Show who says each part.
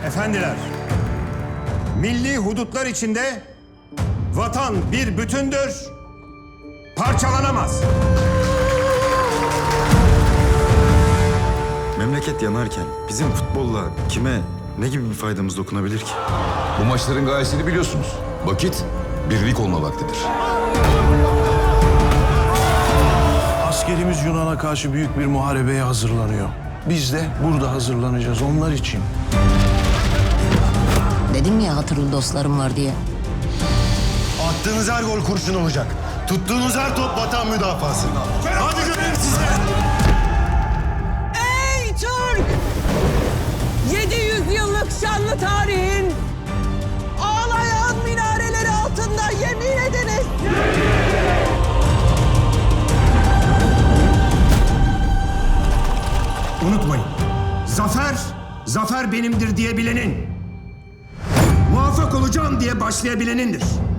Speaker 1: Efendiler, milli hudutlar içinde vatan bir bütündür, parçalanamaz.
Speaker 2: Memleket yanarken bizim futbolla kime, ne gibi bir faydamız dokunabilir ki?
Speaker 3: Bu maçların gayesini biliyorsunuz. Vakit birlik olma vaktidir.
Speaker 4: Askerimiz Yunan'a karşı büyük bir muharebeye hazırlanıyor. Biz de burada hazırlanacağız onlar için.
Speaker 5: Dedim ya hatırlı dostlarım var diye.
Speaker 6: Attığınız her gol kurşun olacak. Tuttuğunuz her top vatan müdafası. Hadi göreyim sizi.
Speaker 7: Ey Türk! 700 yıllık şanlı tarihin ağlayan minareleri altında yemin ediniz.
Speaker 1: Unutmayın, zafer benimdir diyebilenin, muvaffak olacağım diye başlayabilenindir.